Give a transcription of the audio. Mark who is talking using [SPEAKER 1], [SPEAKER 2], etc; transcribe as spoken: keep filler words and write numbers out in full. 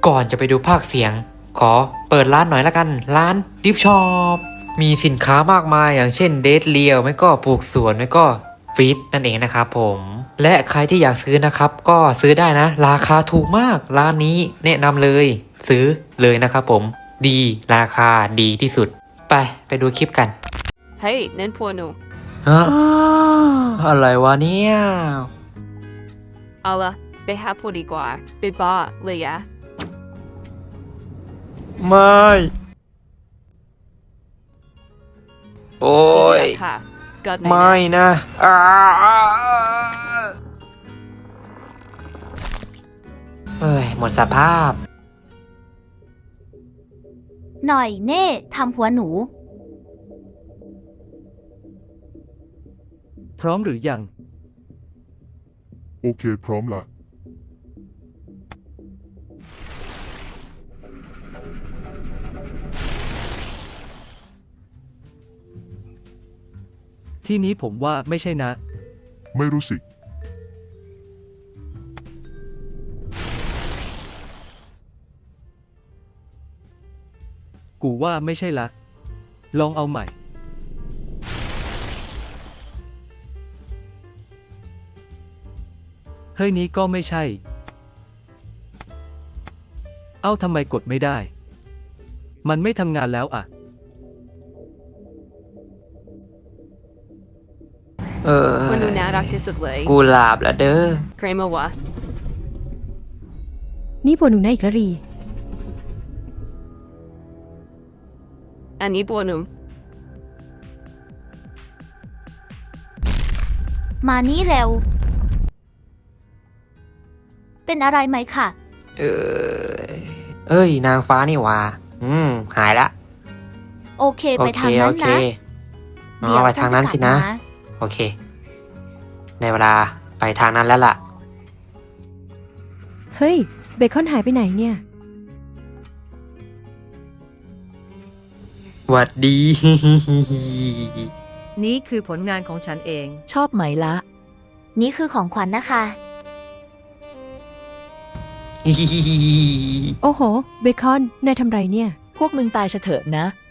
[SPEAKER 1] ก่อนจะไปดูภาคเสียง ขอเปิดร้านหน่อยละกัน ร้านดิฟช็อปมีสินค้ามากมายอย่างเช่นเดทเลียวไม่ก็ปลูกสวนไม่ก็ฟีดนั่นเองนะครับผมและใครที่อยากซื้อนะครับก็ซื้อได้นะราคาถูกมากร้านนี้แนะนำเลยซื้อเลยนะครับผมดีราคาดีที่สุดไปไปดูคลิปกัน
[SPEAKER 2] เฮ้ยนั่นพวกหนู
[SPEAKER 1] ฮะอะไรวะเนี่ย
[SPEAKER 2] เอาละไปหาพวกดีกว่าไปบ้าเลยอะ
[SPEAKER 1] ไม่โอ้ย
[SPEAKER 2] ค่ะก็ไหน
[SPEAKER 1] ไม่นะอ้าเอ้ยหมดสภาพ
[SPEAKER 3] หน่อยเน่ทำหัวหนู
[SPEAKER 4] พร้อมหรือยัง
[SPEAKER 5] โอเคพร้อมละ
[SPEAKER 4] ที่นี้ผมว่าไม่ใช่นะ
[SPEAKER 5] ไม่รู้สิ
[SPEAKER 4] กูว่าไม่ใช่ละ ลองเอาใหม่ เฮ้ยนี้ก็ไม่ใช่ เอ้าทำไมกดไม่ได้ มันไม่ทำงานแล้วอ่ะ
[SPEAKER 1] เออ
[SPEAKER 2] พวกหนูน่ารักที่สุดเลย
[SPEAKER 1] กูหลาบแล้วเด้อ
[SPEAKER 2] ใครมาวะ
[SPEAKER 6] นี่พวกหนูนะอีกแล้วรี
[SPEAKER 2] อันนี้พวกหนู
[SPEAKER 3] มานี้เร็ว เป็นอะไรไหมคะ
[SPEAKER 1] เออเอ้ย นางฟ้านี่หว่าอืม หายละ
[SPEAKER 3] โอเค
[SPEAKER 1] โอ
[SPEAKER 3] ไป
[SPEAKER 1] เค
[SPEAKER 3] ทาง
[SPEAKER 1] โอ
[SPEAKER 3] นั้น
[SPEAKER 1] เค
[SPEAKER 3] นะ
[SPEAKER 1] อ๋อไปทางนั้นสินะ โอเค ในเวลาไปทางนั้นแล้วล่ะ
[SPEAKER 6] เฮ้ย เบคอนหายไปไหนเนี่ย
[SPEAKER 1] หวัดดี
[SPEAKER 7] นี่คือผลงานของฉันเอง
[SPEAKER 8] ชอบไหมละ
[SPEAKER 3] นี่คือของขวัญนะคะ
[SPEAKER 6] โอ้โห เบคอน นายทำไรเนี่ย
[SPEAKER 8] พวกมึงตายเฉเถอะนะ